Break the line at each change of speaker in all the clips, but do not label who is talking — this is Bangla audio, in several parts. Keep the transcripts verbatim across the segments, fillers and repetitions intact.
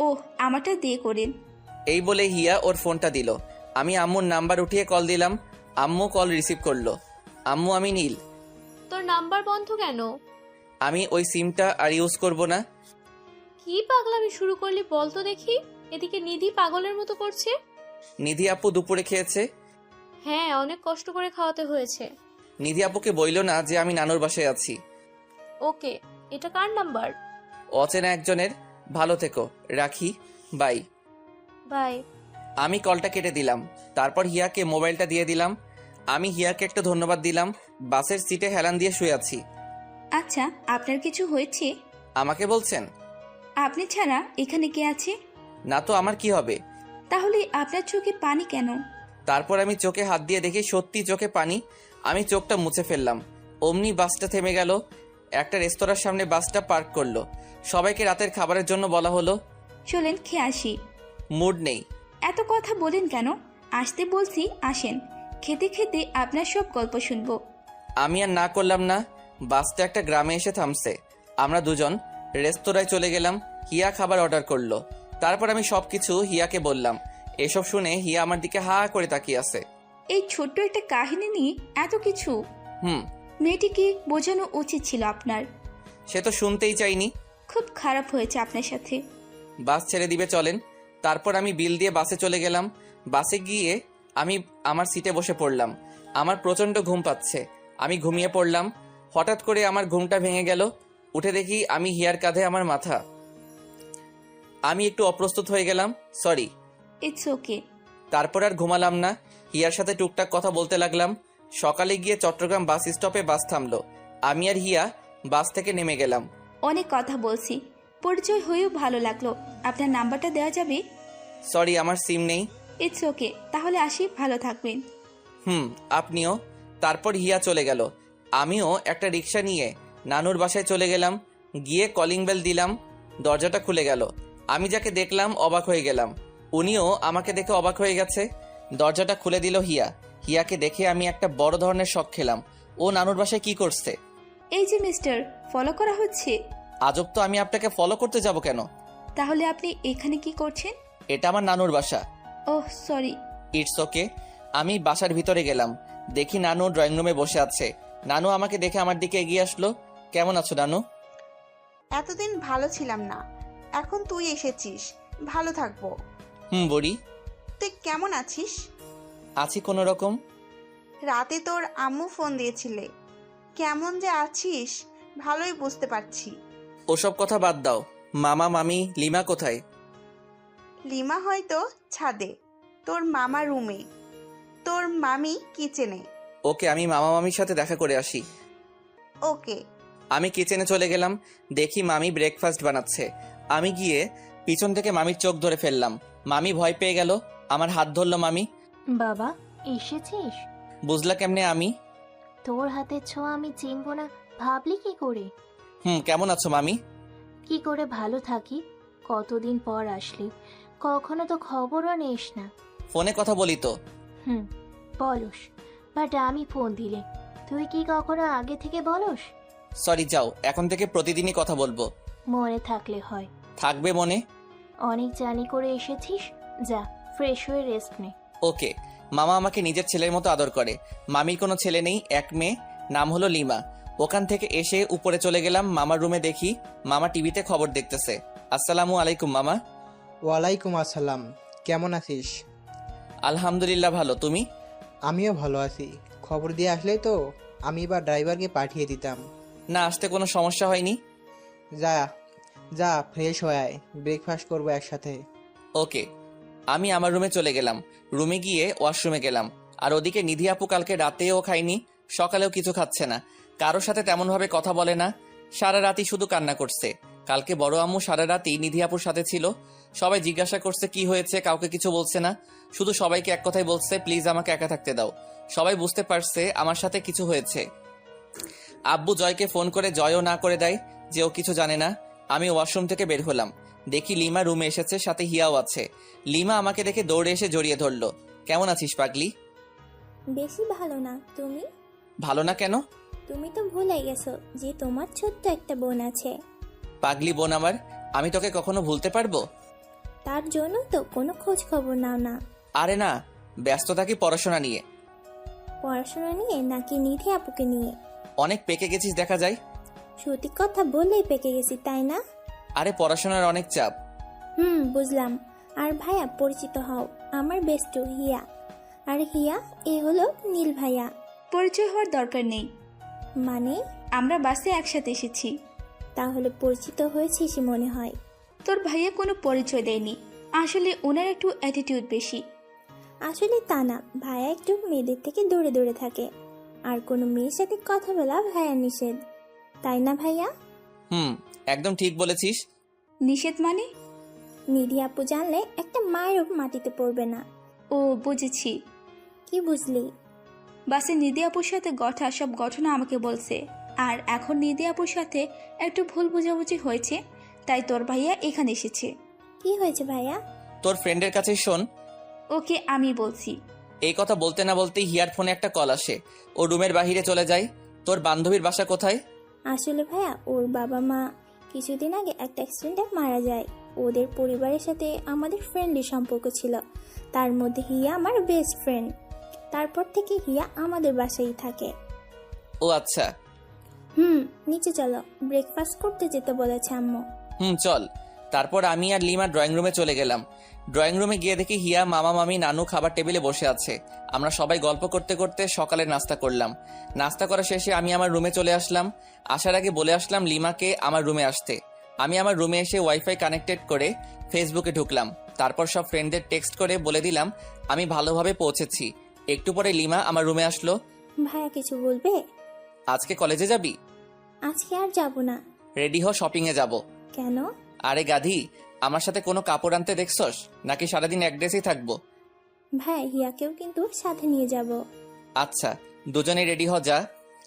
ওহ, আমারটা দিয়ে করেন।
এই বলে হিয়া ওর ফোনটা দিল। আমি আম্মুর নাম্বার উঠিয়ে কল দিলাম। আম্মু কল রিসিভ করলো। আম্মু, আমি নীল।
তোর নাম্বার বন্ধ কেন?
আমি ওই সিমটা আর ইউজ করব না।
কি পাগলামি শুরু করলি বল তো দেখি। এদিকে নিধি পাগলের মতো করছে।
নিধি আপু দুপুরে খেয়েছে।
হ্যাঁ, অনেক কষ্ট করে খাওয়াতে হয়েছে।
নিধি আপুকে বইল না যে আমি নানুর বাসায় আছি।
ওকে, এটা কার নাম্বার?
অচেনা একজনের। ভালো থেকো, রাখি, বাই।
বাই।
আমি কলটা কেটে দিলাম। তারপর হিয়াকে মোবাইলটা দিয়ে দিলাম। আমি হিয়াকে একটা ধন্যবাদ দিলাম। বাসের সিটে হেলান দিয়ে শুয়ে আছি।
আচ্ছা, আপনার কিছু হয়েছে?
আমাকে বলছেন?
আপনি ছাড়া এখানে কে আছে?
না তো আমার কি হবে?
তাহলে আপনার চোখে পানি কেন?
তারপর আমি চোখে হাত দিয়ে দেখি সত্যি চোখে পানি। আমি চোখটা মুছে ফেললাম। অমনি বাসটা থেমে গেল। একটা রেস্তোরাঁর সামনে বাসটা পার্ক করলো। সবাইকে রাতের খাবারের জন্য বলা হলো।
চলেন খেয়ে আসি।
মুড নেই।
এত কথা বলেন কেন? আসতে বলছি, আসেন। খেতে খেতে আপনার সব গল্প শুনবো।
আমি আর না করলাম না। বাসটা একটা গ্রামে এসে থামছে। আমরা দুজন রেস্তোরাঁয় চলে গেলাম। হিয়া খাবার অর্ডার করলো। তারপর আমি সবকিছু হিয়াকে বললাম। এসব শুনে হিয়া আমার দিকে হা করে তাকিয়ে আছে।
এই ছোট্ট একটা কাহিনী নিয়ে এত কিছু?
হুম।
মেয়েটিকে বোঝানো উচিত ছিল আপনার।
সে তো শুনতেই চাইনি।
খুব খারাপ হয়েছে আপনার সাথে।
বাস ছেড়ে দিবে, চলেন। তারপর আমি বিল দিয়ে বাসে চলে গেলাম। বাসে গিয়ে আমি আমার সিটে বসে পড়লাম। আমার প্রচণ্ড ঘুম পাচ্ছে। আমি ঘুমিয়ে পড়লাম। হঠাৎ করে আমার ঘুমটা ভেঙে গেল। উঠে দেখি আমি হিয়ার কাঁধে আমার মাথা। আমি একটু অপ্রস্তুত হয়ে গেলাম, সরি।
ইটস ওকে।
তারপর আর ঘুমালাম না। হিয়ার সাথে টুকটাক কথা বলতে লাগলাম। সকালে গিয়ে চট্টগ্রাম বাস স্টপে বাস থামলো। আমি আর হিয়া বাস থেকে নেমে গেলাম।
অনেক কথা বলছি, পরিচয় হয়েও ভালো লাগলো। আপনার নাম্বারটা দেওয়া যাবে?
সরি, আমার সিম নেই।
ইটস ওকে, তাহলে আসি, ভালো থাকবেন।
হুম, আপনিও। তারপর হিয়া চলে গেল। আমিও একটা রিক্সা নিয়ে নানুর বাসায় চলে গেলাম। গিয়ে কলিং বেল দিলাম। দরজাটা খুলে গেল। আমি যাকে দেখলাম অবাক হয়ে গেলাম। উনিও আমাকে দেখে অবাক হয়ে গেছে। দরজাটা খুলে দিল হিয়া। হিয়াকে দেখে আমি একটা বড় ধরনের শক খেলাম। ও নানুর বাসায় কি করছে?
এই যে মিস্টার, ফলো করা হচ্ছে।
আজব তো, আমি আপনাকে ফলো করতে যাব কেন?
তাহলে আপনি এখানে কি করছেন?
এটা আমার নানুর বাসা।
Oh sorry.
It's okay. আমি বাসার ভিতরে গেলাম। দেখি নানু ড্রয়িং রুমে বসে আছে। নানু আমাকে দেখে আমার দিকে এগিয়ে আসলো। কেমন আছো নানু?
এতদিন ভালো ছিলাম না, এখন তুই এসেছিস, ভালো থাকবো।
হুম বুড়ি।
তুই কেমন আছিস?
আছি কোনো রকম।
রাতে তোর আম্মু ফোন দিয়েছিলে, কেমন যে আছিস ভালোই বুঝতে পারছি।
ওসব কথা বাদ দাও। মামা মামি লিমা কোথায়?
লিমা হয়তো ছাদে, তোর মামা রুমে, তোর মামি কিচেনে।
ওকে, আমি মামা মামির সাথে দেখা করে আসি।
ওকে।
আমি কিচেনে চলে গেলাম। দেখি মামি ব্রেকফাস্ট বানাচ্ছে। আমি গিয়ে পিছন থেকে মামির চোখ ধরে ফেললাম। মামি ভয় পেয়ে গেল। আমার হাত ধরলো মামি।
বাবা, এসেছিস?
বুঝলা কেমনে আমি?
তোর হাতের ছোঁয়া আমি চিনব না ভাবলি কি করে?
হুম, কেমন আছো মামি?
কি করে ভালো থাকি, কতদিন পর আসলি, কখনো তো খবরও নিস না।
ফোনে কথা বলি তো।
হুম, বলস, বাট আমি ফোন দিলে তুই কি কখনো আগে থেকে বলস?
সরি, যাও, এখন থেকে প্রতিদিনই কথা বলবো।
মনে থাকলে হয়।
থাকবে মনে।
অনেক জানি করে এসেছিস, যা ফ্রেশ হয়ে রেস্ট নে।
ওকে। মামা আমাকে নিজের ছেলের মতো আদর করে। মামির কোনো ছেলে নেই, এক মেয়ে, নাম হলো লিমা। ওখান থেকে এসে উপরে চলে গেলাম। মামার রুমে দেখি মামা টিভিতে খবর দেখতেছে। আসসালামু আলাইকুম মামা।
ওয়ালাইকুম আসসালাম। কেমন আছিস?
আলহামদুলিল্লাহ, ভালো। তুমি?
আমিও ভালো আছি। খবর দিয়ে আসলে তো আমি এবার ড্রাইভারকে পাঠিয়ে দিতাম।
না, আসতে কোনো সমস্যা হয়নি।
যা যা ফ্রেশ হয়ে আয়, ব্রেকফাস্ট করবো একসাথে।
ওকে। আমি আমার রুমে চলে গেলাম। রুমে গিয়ে ওয়াশরুমে গেলাম। আর ওদিকে নিধি আপু কালকে রাতেও খায়নি, সকালেও কিছু খাচ্ছে না, কারোর সাথে তেমনভাবে কথা বলে না, সারা রাতই শুধু কান্না করছে। কালকে বড় আম্মু সারা রাতই নিধি আপুর সাথে ছিল। সবাই জিজ্ঞাসা করছে কি হয়েছে, কাউকে কিছু বলছে না, শুধু সবাইকে এক কথাই বলছে, প্লিজ আমাকে একা থাকতে দাও। সবাই বুঝতে পারছে আমার সাথে কিছু হয়েছে। আব্বু জয়কে ফোন করে জয়ও না করে দেয় যে ও কিছু জানে না। আমি ওয়াশরুম থেকে বের হলাম। দেখি লিমা রুমে এসেছে, সাথে হিয়াও আছে। লিমা আমাকে দেখে দৌড়ে এসে জড়িয়ে ধরলো। কেমন আছিস পাগলি?
বেশি ভালো না। তুমি?
ভালো না কেন?
তুমি তো ভুলে গেছো যে তোমার ছোট্ট একটা বোন আছে।
পাগলি বোন আমার, আমি তোকে কখনো ভুলতে পারবো?
তার জন্য তো কোনো খোঁজ খবর নাও না।
আরে না, ব্যস্ত থাকি পড়াশোনা নিয়ে।
পড়াশোনা নিয়ে নাকি নিধি আপুকে নিয়ে?
অনেক পেকে গেছিস দেখা যায়।
সত্যি কথা বললেই পেকে গেছি, তাই না?
আরে পড়াশোনার অনেক চাপ।
হুম, বুঝলাম। আর ভাইয়া পরিচিত হও, আমার বেস্টু হিয়া। আর হিয়া, এ হলো নীল ভাইয়া।
পরিচয় হওয়ার দরকার নেই,
মানে?
আমরা বাসে একসাথে এসেছি।
তাহলে পরিচিত হয়েছিস মনে হয়।
তোর ভাইয়া কোনো পরিচয় দেয়নি, আসলে ওনার একটু অ্যাটিটিউড বেশি।
আসলে তা না, ভাইয়া একটু মেয়েদের থেকে দূরে দূরে থাকে। আর কোনো মেয়ের সাথে কথা বলা ভাইয়া নিষেধ, তাই না ভাইয়া?
হুম, একদম ঠিক বলেছিস।
নিষেধ মানে?
নিধি আপু জানলে একটা মায়েরও মাটিতে পড়বে না।
ও বুঝেছি।
কি বুঝলি?
বাসে নিধি আপুর সাথে ঘটা সব ঘটনা আমাকে বলছে, আর এখন নিধি আপুর সাথে একটু ভুল বোঝাবুঝি হয়েছে, তাই তোর ভাইয়া এখানে এসেছে।
কি হয়েছে ভাইয়া?
তোর ফ্রেন্ডের কাছে শোন।
ওকে আমি বলছি।
এই কথা বলতে না বলতেই হিয়ার ফোনে একটা কল আসে। ও রুমের বাহিরে চলে যায়। তোর বান্ধবীর বাসা কোথায়?
আসলে ভাইয়া, ওর বাবা মা কিছুদিন আগে একটা অ্যাক্সিডেন্টে মারা যায়। ওদের পরিবারের সাথে আমাদের ফ্রেন্ডলি সম্পর্ক ছিল, তার মধ্যে হিয়া আমার বেস্ট ফ্রেন্ড। তারপর থেকে হিয়া আমাদের বাসায় থাকে।
ও আচ্ছা।
হুম, নিচে চলো, ব্রেকফাস্ট করতে যেতে বলেছে আম্মু।
হুম চল। তারপর আমি আর লিমা ড্রয়িং রুমে চলে গেলাম। ড্রয়িং রুমে গিয়ে দেখি হিয়া, মামা, মামি, নানু খাবার টেবিলে বসে আছে। আমরা সবাই গল্প করতে করতে সকালের নাস্তা করলাম। নাস্তা করা শেষে আমি আমার রুমে চলে আসলাম। আসার আগে বলে আসলাম লিমাকে আমার রুমে আসতে। আমি আমার রুমে এসে ওয়াইফাই কানেক্টেড করে ফেসবুকে ঢুকলাম। তারপর সব ফ্রেন্ডদের টেক্সট করে বলে দিলাম আমি ভালোভাবে পৌঁছেছি। একটু পরে লিমা আমার রুমে আসলো।
ভাইয়া কিছু বলবে?
আজকে কলেজে যাবি?
আজকে আর যাব না।
রেডি হ, শপিং এ যাব।
কেন?
আরে গাধি, আমার সাথে কোনো কাপড় আনতে দেখছস নাকি সারাদিন এক ড্রেসেই থাকবো?
ভাই, হিয়াকেও কিন্তু সাথে নিয়ে যাব।
আচ্ছা, দুজনে রেডি হ যা।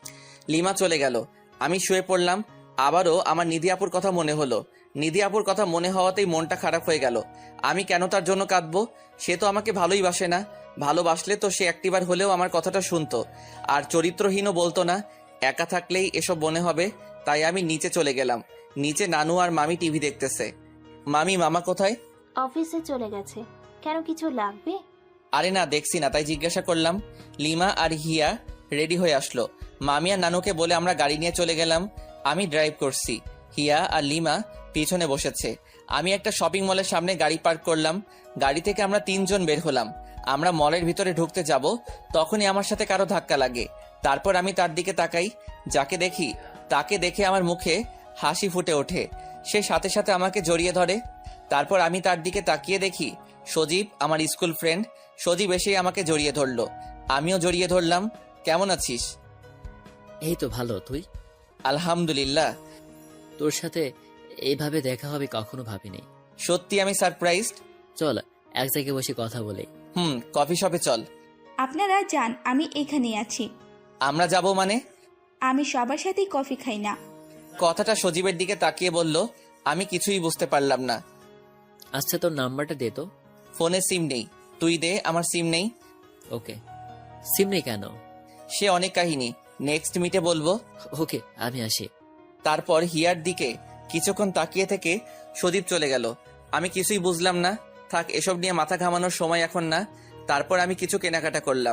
লিমা চলে গেল। আমি শুয়ে পড়লাম। আবারও আমার নিধি আপুর কথা মনে হলো। নিধি আপুর কথা মনে হওয়াতেই মনটা খারাপ হয়ে গেল। আমি কেন তার জন্য কাঁদবো? সে তো আমাকে ভালোই বাসে না। ভালোবাসলে তো সে একটিবার হলেও আমার কথাটা শুনতো, আর চরিত্রহীনও বলতো না। একা থাকলেই এসব মনে হবে, তাই আমি নিচে চলে গেলাম। নিচে নানু আর মামি টিভি দেখতেছে। মামি, মামা কোথায়?
অফিসে চলে গেছে। কেন, কিছু লাগবে?
আরে না, দেখছি না তাই জিজ্ঞাসা করলাম। লিমা আর হিয়া রেডি হয়ে আসলো। মামি আর নানুকে বলে আমরা গাড়ি নিয়ে চলে গেলাম। আমি ড্রাইভ করছি, হিয়া আর লিমা পিছনে বসেছে। আমি একটা শপিং মলের সামনে গাড়ি পার্ক করলাম। গাড়ি থেকে আমরা তিনজন বের হলাম। আমরা মলের ভিতরে ঢুকতে যাব, তখনই আমার সাথে কারো ধাক্কা লাগে। তারপর আমি তার দিকে তাকাই। যাকে দেখি তাকে দেখে আমার মুখে হাসি ফুটে ওঠে। সে সাথে সাথে আমাকে জড়িয়ে ধরে। তারপর আমি তার দিকে তাকিয়ে দেখি সজীব, আমার স্কুল ফ্রেন্ড। সজীব এসে আমাকে জড়িয়ে ধরলো। আমিও জড়িয়ে ধরলাম। কেমন আছিস?
এই তো ভালো, তুই?
আলহামদুলিল্লাহ।
তোর সাথে এইভাবে দেখা হবে কখনো ভাবিনি।
সত্যি আমি সারপ্রাইজড।
চল এক জায়গায় বসে কথা বলে।
হুম, কফি শপে চল।
আপনারা যান, আমি এখানেই আছি।
আমরা যাব মানে?
আমি সবার সাথেই কফি খাই না।
কথাটা সজীবের দিকে তাকিয়ে বলল। আমি কিছুই বুঝতে পারলাম না।
আচ্ছা, তোর নাম্বারটা দে তো।
ফোনে সিম নেই। তুই দে, আমার সিম নেই।
ওকে। সিম নেই কেন?
সে অনেক কাহিনী, নেক্সট মিটে বলবো।
ওকে, আমি আসি।
তারপর হিয়ার দিকে কিছুক্ষণ তাকিয়ে থেকে সজীব চলে গেল। আমি কিছুই বুঝলাম না। থাক, এসব নিয়ে মাথা ঘামানোর সময় এখন না। তারপর আমি কিছু কেনাকাটা করলাম।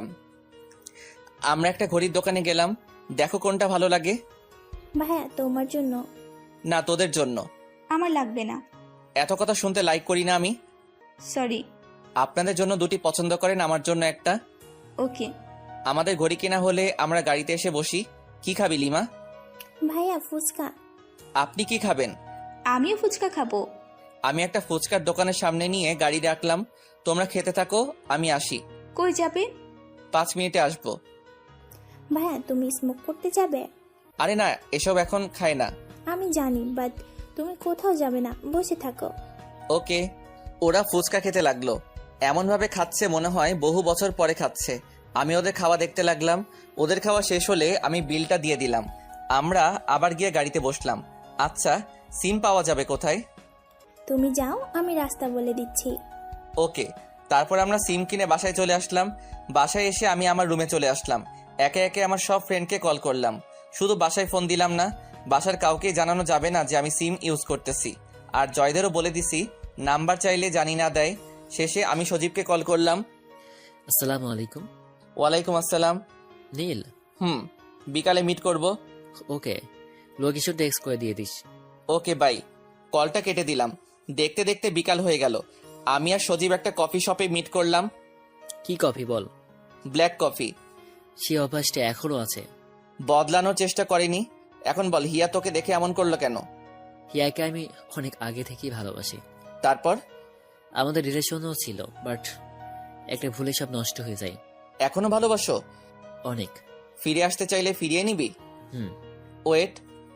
আমরা একটা ঘড়ির দোকানে গেলাম। দেখো কোনটা ভালো লাগে।
ভাইয়া, তোমার জন্য।
না, তোদের জন্য।
আমার লাগবে না।
এত কথা শুনতে লাইক করি না আমি।
সরি।
আপনাদের জন্য দুটি পছন্দ করেন, আমার জন্য একটা।
ওকে।
আমাদের ঘড়ি কেনা হলে আমরা গাড়িতে এসে বসি। কি খাবি লিমা?
ভাইয়া, ফুচকা।
আপনি কি খাবেন?
আমিও ফুচকা খাবো।
আমি একটা ফুচকার দোকানের সামনে নিয়ে গাড়ি রাখলাম। তোমরা খেতে থাকো, আমি আসি।
কই যাবে?
পাঁচ মিনিটে আসবো।
ভাইয়া, তুমি স্মোক করতে যাবে?
আরে না, এসব এখন খায় না।
আমি জানি, বাট তুমি কোথাও যাবে না, বসে থাকো।
ওকে। ওরা ফুচকা খেতে লাগলো। এমন ভাবে খাচ্ছে মনে হয় বহু বছর পরে খাচ্ছে। আমি ওদের খাওয়া দেখতে লাগলাম। ওদের খাওয়া শেষ হলে আমি বিলটা দিয়ে দিলাম। আমরা আবার গিয়ে গাড়িতে বসলাম। আচ্ছা, সিম পাওয়া যাবে কোথায়?
তুমি যাও, আমি রাস্তা বলে দিচ্ছি।
ওকে। তারপর আমরা সিম কিনে বাসায় চলে আসলাম। বাসায় এসে আমি আমার রুমে চলে আসলাম। একে একে আমার সব ফ্রেন্ডকে কল করলাম। শুধু বাসায় ফোন দিলাম না, বাসার কাউকে জানানো যাবে না যে আমি সিম ইউজ করতেছি। আর জয়দেরও বলে দিছি নাম্বার চাইলে জানি না দেয়। শেষে আমি সজীবকে কল করলাম।
আসসালামু আলাইকুম।
ওয়ালাইকুম আসসালাম।
নীল।
হুম, বিকালে মিট করব।
ওকে, লোকেশন টেক্সট করে দিয়ে দিস।
Okay bye. কলটা কেটে দিলাম। দেখতে দেখতে বিকাল হয়ে গেল। আমি আর সজীব একটা কফি শপে মিট করলাম।
কি কফি বল?
Black coffee.
সে অভ্যাসটা এখনো আছে।
বদলানোর চেষ্টা করিনি। এখন বল, হিয়া তোকে দেখে এমন করলো কেন?
হিয়াকে আমি অনেক আগে থেকেই ভালোবাসি।
তারপর?
আমাদের রিলেশনও ছিল, বাট একটা ভুলে সব নষ্ট হয়ে যায়।
এখনো ভালোবাসো?
অনেক।
ফিরে আসতে চাইলে ফিরিয়ে নিবি?
হুম।
ওয়েট।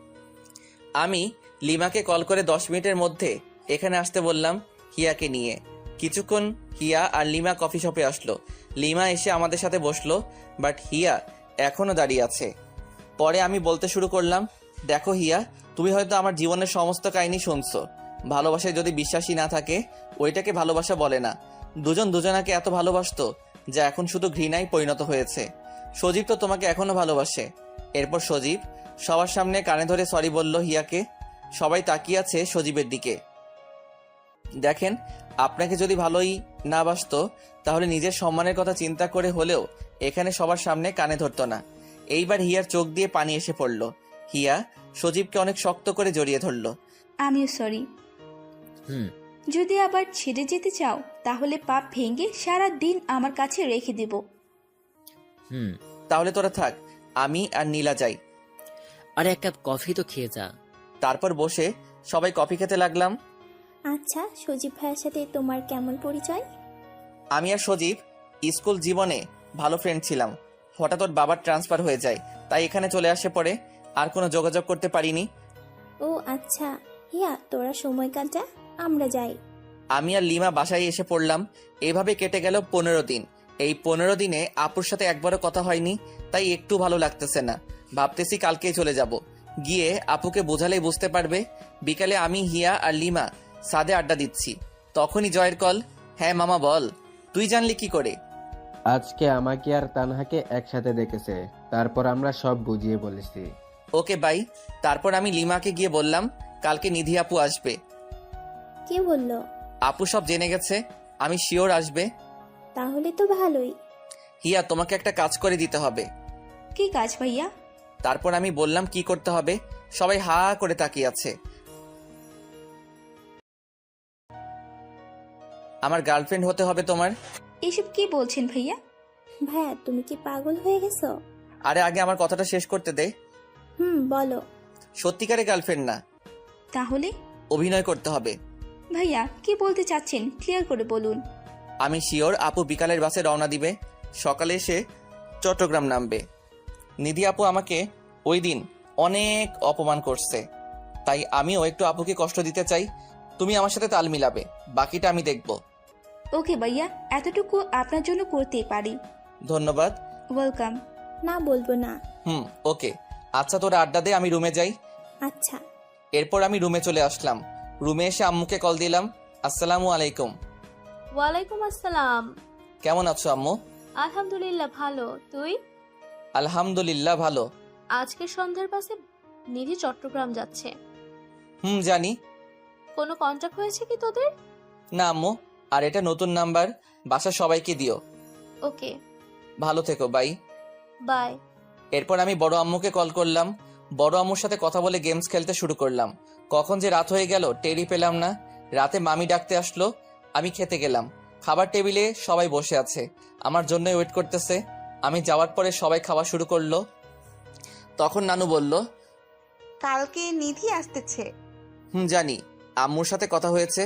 আমি লিমাকে কল করে দশ মিনিটের মধ্যে এখানে আসতে বললাম হিয়াকে নিয়ে। কিছুক্ষণ হিয়া আর লিমা কফি শপে আসলো। লিমা এসে আমাদের সাথে বসলো, বাট হিয়া এখনো দাঁড়িয়ে আছে। পরে আমি বলতে শুরু করলাম, দেখো হিয়া, তুমি হয়তো আমার জীবনের সমস্ত কাহিনী শুনছো। ভালোবাসায় যদি বিশ্বাসী না থাকে, ওইটাকে ভালোবাসা বলে না। দুজন দুজনাকে এত ভালোবাসতো যা এখন শুধু ঘৃণায় পরিণত হয়েছে। সজীব তো তোমাকে এখনো ভালোবাসে। এরপর সজীব সবার সামনে কানে ধরে সরি বলল হিয়াকে। সবাই তাকিয়ে আছে সজীবের দিকে। দেখেন, আপনাকে যদি ভালোই না বাসতো তাহলে নিজের সম্মানের কথা চিন্তা করে হলেও এখানে সবার সামনে কানে ধরতো না। এইবার হিয়ার চোখ দিয়ে পানি এসে পড়ল। হিয়া সজীবকে অনেক শক্ত করে জড়িয়ে ধরল।
আমিও সরি।
হুম।
যদি আবার ছেড়ে যেতে চাও তাহলে পাপ ভেঙে সারা দিন আমার কাছে রেখে দেব।
হুম।
তাহলে তোরা থাক, আমি আর নীলা যাই।
আরে এক কাপ কফি তো খেয়ে যা।
তারপর বসে সবাই কফি খেতে লাগলাম।
আচ্ছা, সজীব ভাইয়ের সাথে তোমার কেমন পরিচয়?
আমি আর সজীব স্কুল জীবনে ভালো ফ্রেন্ড ছিলাম। হঠাৎ ওর বাবার ট্রান্সফার হয়ে যায়, তাই এখানে চলে আসে। পরে আর কোনো যোগাযোগ করতে পারিনি।
ও আচ্ছা, হিয়া তোরা সময় কাটা, আমরা যাই।
আমি আর লিমা বাসায় এসে পড়লাম। এভাবে কেটে গেল পনেরো দিন। এই পনেরো দিনে আপুর সাথে একবারও কথা হয়নি, তাই একটু ভালো লাগতেছে না। ভাবতেছি কালকেই চলে যাব, গিয়ে আপুকে বোঝালেই বুঝতে পারবে। বিকালে আমি, হিয়া আর লিমা সাদে আড্ডা দিচ্ছি, তখনই জয়ের কল। হ্যাঁ মামা বল, তুই জানলি কি করে?
আজকে আমাকে আর তানহাকে একসাথে দেখেছে, তারপর আমরা সব বুঝিয়ে বলেছি।
Okay bye. তারপর আমি লিমাকে গিয়ে বললাম কালকে নিধি আপু আসবে।
কে বললো?
আপু সব জেনে গেছে, আমি শিওর আসবে।
তাহলে তো ভালোই।
হিয়া, তোমাকে একটা কাজ করে দিতে হবে।
কি কাজ ভাইয়া?
তারপর আমি বললাম কি করতে হবে। সবাই হা করে তাকিয়ে আছে। আমার গার্লফ্রেন্ড হতে হবে তোমার।
এসব কি বলছেন ভাইয়া?
ভাইয়া তুমি কি পাগল হয়ে গেছো?
আরে আগে আমার কথাটা শেষ করতে দে।
হুম বলো।
সত্যিকারের গার্লফ্রেন্ড না,
তাহলে?
অভিনয় করতে হবে।
ভাইয়া কি বলতে চাচ্ছেন ক্লিয়ার করে বলুন।
আমি শিওর আপু বিকালের বাসে রওনা দিবে, সকালে এসে চট্টগ্রাম নামবে। নিধি আপু আমাকে ওই দিন অনেক অপমান করছে, তাই আমিও একটু আপুকে কষ্ট দিতে চাই। তুমি আমার সাথে তাল মিলাবে, বাকিটা আমি দেখব।
ওকে ভাইয়া, এতটুকু আপনার জন্য করতেই পারি।
ধন্যবাদ।
ওয়েলকাম।
না বলবো না।
হুম ওকে। আচ্ছা তোরা আড্ডা দে, আমি রুমে যাই।
আচ্ছা।
এরপর আমি রুমে চলে আসলাম। রুমে এসে আম্মুকে কল দিলাম। আসসালামু আলাইকুম।
ওয়ালাইকুম আসসালাম।
কেমন আছো আম্মু?
আলহামদুলিল্লাহ ভালো, তুই?
আলহামদুলিল্লাহ ভালো।
আজকে সন্ধ্যার পাশে নিধি চট্টগ্রাম যাচ্ছে।
হুম জানি।
কোনো কন্ট্যাক্ট হয়েছে কি তোদের?
না আম্মু, আর এটা নতুন নাম্বার, বাসা সবাইকে দিও।
ওকে
ভালো থেকো, বাই।
বাই।
এরপর আমি বড় আম্মুকে কল করলাম। বড় আম্মুর সাথে কথা বলে গেমস খেলতে শুরু করলাম। কখন যে রাত হয়ে গেল টেরই পেলাম না। রাতে মামি ডাকতে আসলো, আমি খেতে গেলাম। খাবার টেবিলে সবাই বসে আছে, আমার জন্যই ওয়েট করতেছে। আমি যাওয়ার পরে সবাই খাওয়া শুরু করলো। তখন নানু বলল,
কালকে নিধি আসতেছে।
হুম জানি, আম্মুর সাথে কথা হয়েছে।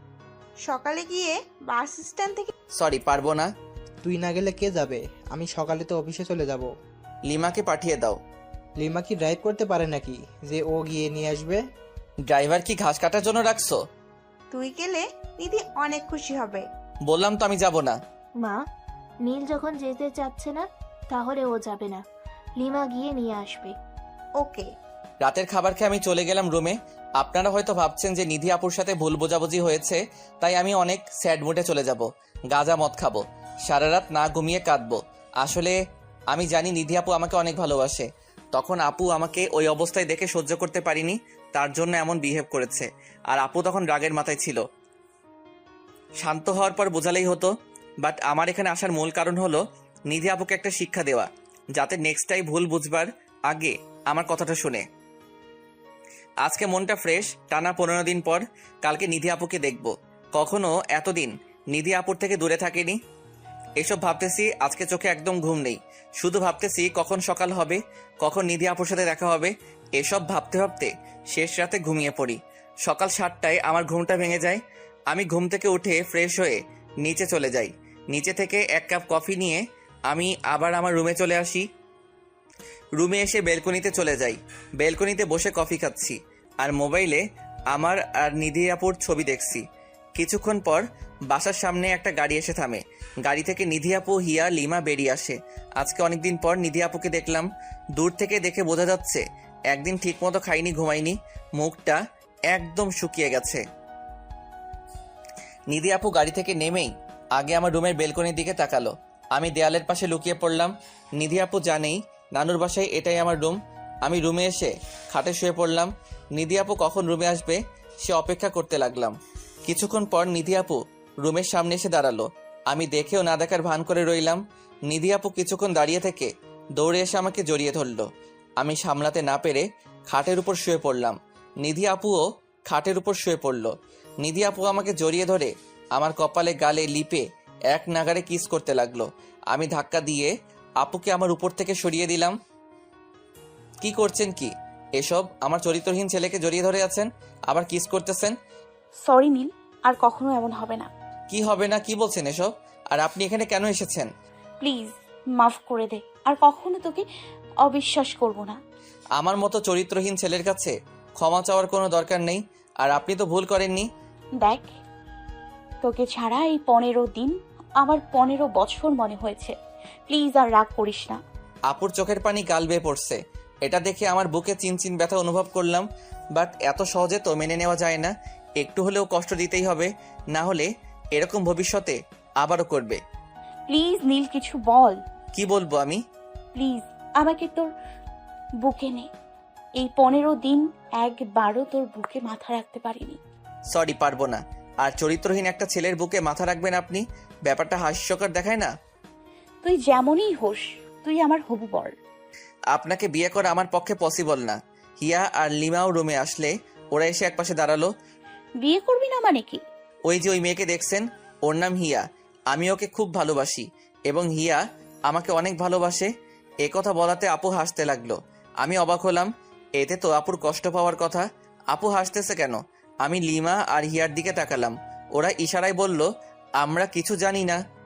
সকালে গিয়ে বাস স্ট্যান্ড থেকে।
সরি, পারবো না।
তুই না গেলে কে যাবে? আমি সকালে তো অফিসে চলে যাব।
লিমাকে পাঠিয়ে দাও।
লিমা কি ড্রাইভ করতে পারে নাকি যে ও গিয়ে নিয়ে আসবে?
ড্রাইভার কি ঘাস কাটার জন্য রাখছো?
তুই গেলে নিধি অনেক খুশি হবে।
বললাম তো আমি যাব না।
মা, নীল যখন যেতে চাচ্ছে না তাহলে ও যাবে না, লিমা গিয়ে নিয়ে আসবে।
ওকে।
রাতের খাবার খেয়ে আমি চলে গেলাম রুমে। আপনারা হয়তো ভাবছেন যে নিধি আপুর সাথে ভুল বোঝাবুঝি হয়েছে, তাই আমি অনেক স্যাড মুডে চলে যাব, গাঁজা মদ খাবো, সারা রাত না ঘুমিয়ে কাঁদবো। আসলে আমি জানি নিধি আপু আমাকে অনেক ভালোবাসে। তখন আপু আমাকে ওই অবস্থায় দেখে সহ্য করতে পারিনি, তার জন্য এমন বিহেভ করেছে। আর আপু তখন রাগের মাথায় ছিল। শান্ত হওয়ার পর বোঝালেই হতো। বাট আমার এখানে আসার মূল কারণ হলো নিধি আপুকে একটা শিক্ষা দেওয়া, যাতে নেক্সট টাইম ভুল বুঝবার আগে আমার কথাটা শুনে। আজকে মনটা ফ্রেশ, টানা পনেরো দিন পর কালকে নিধি আপুকে দেখব। কখনো এতদিন নিধি আপুর থেকে দূরে থাকেনি। এসব ভাবতেছি, আজকে চোখে একদম ঘুম নেই। শুধু ভাবতেছি কখন সকাল হবে, কখন নিধি আপুর সাথে দেখা হবে। এসব ভাবতে ভাবতে শেষ রাতে ঘুমিয়ে পড়ি। সকাল সাতটায় আমার ঘুমটা ভেঙে যায়। আমি ঘুম থেকে উঠে ফ্রেশ হয়ে নিচে চলে যাই। নিচে থেকে এক কাপ কফি নিয়ে আমি আবার আমার রুমে চলে আসি। রুমে এসে বেলকনিতে চলে যাই। বেলকনিতে বসে কফি খাচ্ছি আর মোবাইলে আমার আর নিধি আপুর ছবি দেখছি। কিছুক্ষণ পর বাসার সামনে একটা গাড়ি এসে থামে। গাড়ি থেকে নিধি আপু, হিয়া, লিমা বেরিয়ে আসে। আজকে অনেকদিন পর নিধি আপুকে দেখলাম। দূর থেকে দেখে বোঝা যাচ্ছে একদিন ঠিকমতো খাইনি, ঘুমাইনি, মুখটা একদম শুকিয়ে গেছে। নিধি আপু গাড়ি থেকে নেমেই আগে আমার রুমের বেলকনির দিকে তাকালো। আমি দেয়ালের পাশে লুকিয়ে পড়লাম। নিধি আপু জানেই নানুর বাসায় এটাই আমার রুম। আমি রুমে এসে খাটে শুয়ে পড়লাম। নিধি আপু কখন রুমে আসবে সে অপেক্ষা করতে লাগলাম। কিছুক্ষণ পর নিধি আপু রুমের সামনে এসে দাঁড়ালো। আমি দেখেও না দেখার ভান করে রইলাম। নিধি আপু কিছুক্ষণ দাঁড়িয়ে থেকে দৌড়ে এসে আমাকে জড়িয়ে ধরলো। আমি সামলাতে না পেরে খাটের উপর শুয়ে পড়লাম। নিধি আপুও খাটের উপর শুয়ে পড়লো। নিধি আপু আমাকে জড়িয়ে ধরে আমার কপালে, গালে, লিপে এক নাগারে কিস করতে লাগলো। আমি ধাক্কা দিয়ে আপুকে আমার উপর থেকে সরিয়ে দিলাম। কি করছেন কি এসব? আমার চরিত্রহীন ছেলেকে জড়িয়ে ধরে আছেন, আবার কিস করতেছেন।
সরি নীল, আর কখনো এমন হবে না।
কি হবে না? কি বলছেন এসব? আর আপনি এখানে কেন এসেছেন?
প্লিজ মাফ করে দে, আর কখনো তোকে অবিশ্বাস করব না।
আমার মতো চরিত্রহীন ছেলের কাছে ক্ষমা চাওয়ার কোনো দরকার নেই। আর আপনি তো ভুল করেননি।
দেখ, তোকে ছাড়া এই পনেরো দিন আমার পনেরো বছর মনে হয়েছে। প্লিজ আর রাগ করিস না।
আপুর চোখের পানি গাল বেয়ে পড়ছে। এটা দেখে আমার বুকে চিনচিন ব্যথা অনুভব করলাম। বাট এত সহজে তো মেনে নেওয়া যায় না। একটু হলেও কষ্ট দিতেই হবে, না হলে এরকম ভবিষ্যতে আবারও করবে।
প্লিজ নীল, কিছু বল।
কি বলবো আমি?
প্লিজ আমাকে তোর বুকে নে। এই পনেরো দিন একবারও তোর বুকে মাথা রাখতে পারিনি।
সরি, পারবো না। আর চরিত্রহীন একটা ছেলের বুকে মাথা রাখবেন আপনি? ব্যাপারটা হাস্যকর দেখায় না?
তুই যেমনই হোস, তুই আমার হবু বর।
আপনাকে বিয়ে করা আমার পক্ষে পসিবল না। হিয়া আর লিমাও রুমে আসলে ওরা এসে একপাশে দাঁড়ালো।
বিয়ে করবি না মানে কি?
ওই যে ওই মেয়েকে দেখছেন, ওর নাম হিয়া। আমি ওকে খুব ভালোবাসি এবং হিয়া আমাকে অনেক ভালোবাসে। এ কথা বলাতে আপু হাসতে লাগলো। আমি অবাক হলাম। এতে তো আপুর কষ্ট পাওয়ার কথা। আপু হাসতেছে কেন? আমি লিমা আর হিয়ার দিকে তাকালাম। ওরা ইশারায় বলল আমরা কিছু জানি না।